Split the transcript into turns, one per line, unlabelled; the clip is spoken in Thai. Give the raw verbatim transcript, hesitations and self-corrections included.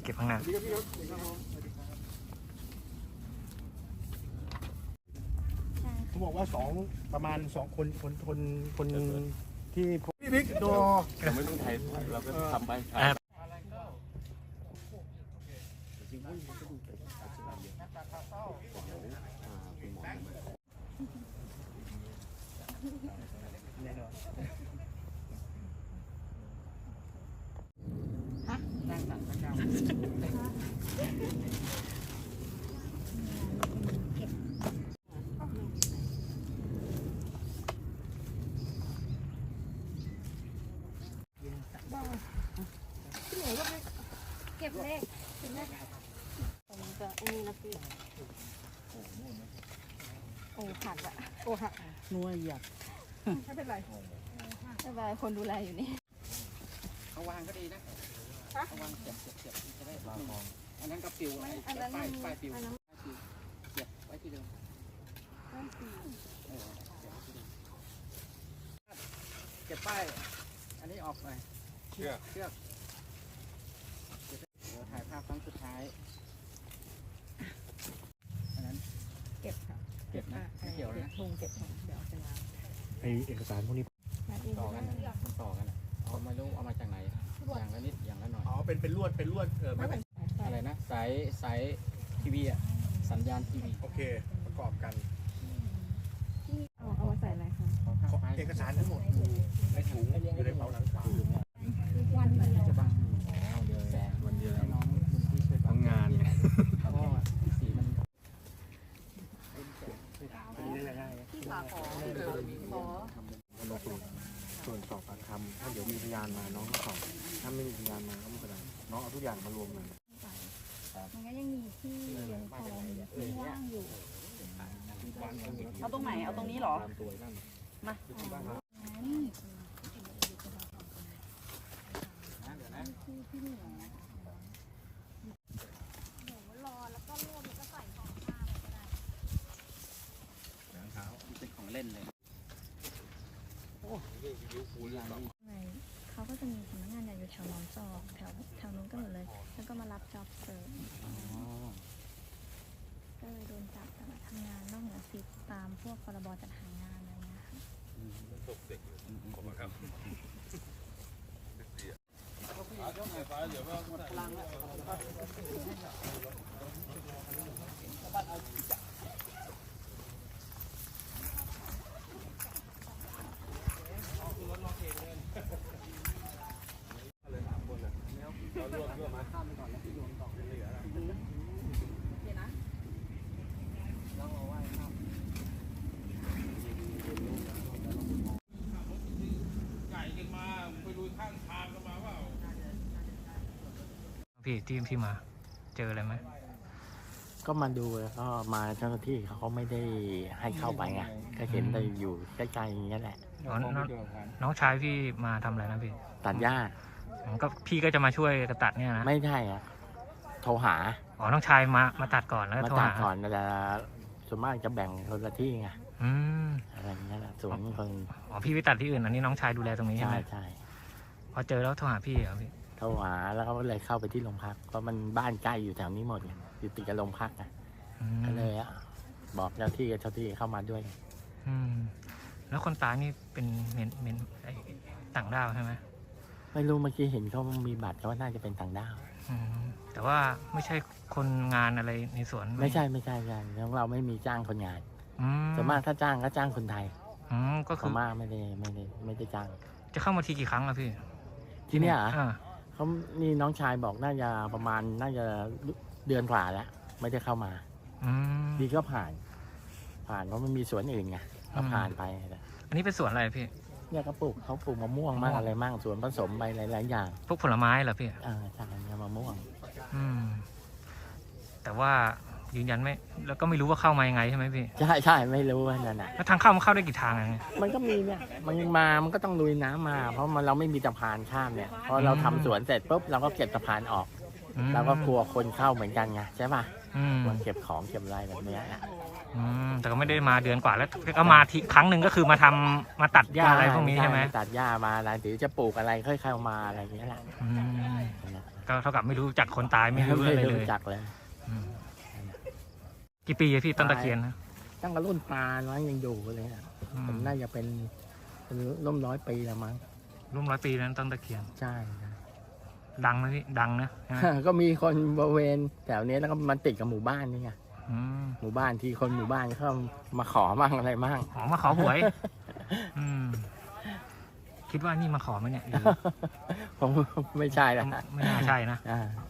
ก็บข้างหน้า
เขาบอกว่าสองประมาณสองคนคนคนคนที่พี่บิ๊กโด
เราไม่ต้องไทยเราก็ทำไป
เก็บเลขเก็บเลขผมจะอันนี้นะพี่โอ้หักอะโอ้หักนัวหยักไม่เป็นไรไม่เป็นไรคนดูแลอยู่นี่
เขาวางก็ดีนะเขาวางเก็บเก็บเก็บจะได้วางมองอันนั้นก็ปิวอันนั้นป้ายป้ายปิวป้ายปิวเก็บไว้ที่เดิมเก็บป้ายอันนี้ออกไปเชือกเชือกเดี๋ยวถ่ายภาพครั้งสุดท้ายอันนั้น
เก็บค่ะ
เก็บนะไม่เกี่ยวนะ
ทุงเก็บของเดี๋ยวจะล้าง
ไอเอกสารพวกนี้
ต่อกันต่อกันเอาไม่รู้เอามาจากไหนอย่างละนิดอย่างละหน่อย
อ๋อเป็นเป็นลวดเป็นลวดเออไม่เป็น
อะไรนะสายสายทีวีอ่ะสัญญาณทีวี
โอเคประกอบกัน
เอาเอามาใส่อะไรคะ
เอกสารทั้งหมดอยู่ในถุงอยู่ในเป๋าหนังขวา
วันมัน
จะบังแสงวันเดียวน้องที่ช่วย
ทำงาน
เพราะว่าสีมัน
ที่ฝาขอขอ
มาตรวจส่วนสอบปากคำถ้าเดี๋ยวมีพยานมาน้องก็สอบถ้าไม่มีพยานมาก็ไม่เป็นไรน้องเอาทุกอย่างมารวมกัน
มันก็ยังมีที่ยังพอมีว่างอยู่เอาตรงไหนเอาตรงนี้หรอมา
เป็นของเล่นเลย
เขาก็จะมีสำนักงานใหญ่อยู่แถวหนองจอกแถวแถวนู้นก็หมดเลยแล้วก็มารับจ็อบเสิร์ฟก็เลยโดนจับแต่มาทำงานนอกเหนือสิทธิ์ตามพวกพรบจัดหางานอะไรเงี้ยค่ะ
ตกเด็กขอบคุณครับ
พี่ที่พี่มาเจออะไรไหม
ก็มาดูแล้วก็มาเจ้าหน้าที่เขาไม่ได้ให้เข้าไปไงก็เห็นแต่อยู่ใกล้ๆอย่างเงี้ยแหละ
น้องน้องชายพี่มาทำอะไรนะพี่
ตัดหญ้า
ก็พี่ก็จะมาช่วยกระตัดเนี่ยนะ
ไม่ใช่อะโทรหา
อ๋อน้องชายมามาตัดก่อนแล้ว
มาตัดก่อนแต่ส่วนมากจะแบ่งคนละที่ไง
อืม
อะไรเงี้ยแหละส่วนคน
อ๋อพี่ไปตัดที่อื่นอันนี้น้องชายดูแลตรงนี้ใช่ไหม
ใช่ใช่
พอเจอแล้วโทรหาพี่เหรอพี่
โทรหาแล้วก็เลยเข้าไปที่โรงพักเพราะมันบ้านใกล้อยู่แถวนี้หมดอยู่ติดกับโรงพักนะก็เลยบอกเจ้าที่กับเจ้าที่เข้ามาด้วย
อืมแล้วคนตายนี่เป็นเมนเมนต่างด้าวใช่ไหม
ไม่รู้เมื่อกี้เห็นเขามีบัตรเขาว่าน่าจะเป็นต่างด้าว
แต่ว่าไม่ใช่คนงานอะไรในสวน
ไม่ใช่ไม่ใช่ใช่ของเราไม่มีจ้างคนงานส่วนมากถ้าจ้างก็จ้างคนไทย
ก็คือ
มากไม่ได้ไม่ได้ไม่ได้จ้าง
จะเข้ามาทีกี่ครั้งอะพี่
ที่นี่อ่ะเขานี่น้องชายบอกน่าจะประมาณน่าจะเดือนกว่าแล้วไม่ได้เข้ามาดีก็ผ่านผ่านเพราะมันมีสวนอื่นไงก็ผ่านไป
อันนี้เป็นสวนอะไรพี่
เนี่ยเขาปลูกเขาปลูกมะม่วงมากอะไรมากสวนผสมไปหลายๆอย่าง
พวกผลไม้เหรอพี่
อ่าใช่เนี่ยมะม่วง
อืมแต่ว่ายืนยันไม่แล้วก็ไม่รู้ว่าเข้ามายังไงใช่ไหมพี่
ใช่ใช่ไม่รู้นั่นแหละ
แล้วทางเข้ามันเข้าได้กี่ทางไง
มันก็มีเนี่ยมันมามันก็ต้องลุยน้ำมาเพราะมันเราไม่มีสะพานข้ามเนี่ยพอเราทำสวนเสร็จปุ๊บเราก็เก็บสะพานออกเราก็กลัวคนเข้าเหมือนกันไงใช่ป่ะควรเก็บของเก็บอะไรแบบนี้
อืมแต่ก็ไม่ได้มาเดือนกว่าแล้วก็มาทีครั้งหนึ่งก็คือมาทำมาตัดหญ้าอะไรพวกนี้ใช่ไหม
ตัดหญ้ามาอะไรหรือจะปลูกอะไรค่อยเข้ามาอะไรอย่างเงี้ยแหละ
อืมก็เท่ากับไม่รู้จักคนตายไม่รู้อะไรเลย
รู้จักเลย
อืมกี่ปีอะพี่ต้นตะเคียนนะ
ตั้งแต่รุ่นตาน้อยยังอยู่เลยอะ
อื
ผม
ม
น่าจะเป็นเป็นร่วมร้อยปีแล้วมั้ง
ร่วมร้อยปีนั้นต้นตะเคียน
ใช่
ดังนะพี่ดังนะใช่ไหม
ก็มีคนบริเวณแถวนี้แล้วก็มันติดกับหมู่บ้านนี่ไง
อืม
หมู่บ้านที่คนหมู่บ้านเขามาขอมั่งอะไรมั่ง
ขอมาขอหวย อืมคิดว่านี่มาขอไหมเนี่ยหรือ
ผมไม่ใช่ละ
ไม่น่าใช่นะ
อ่า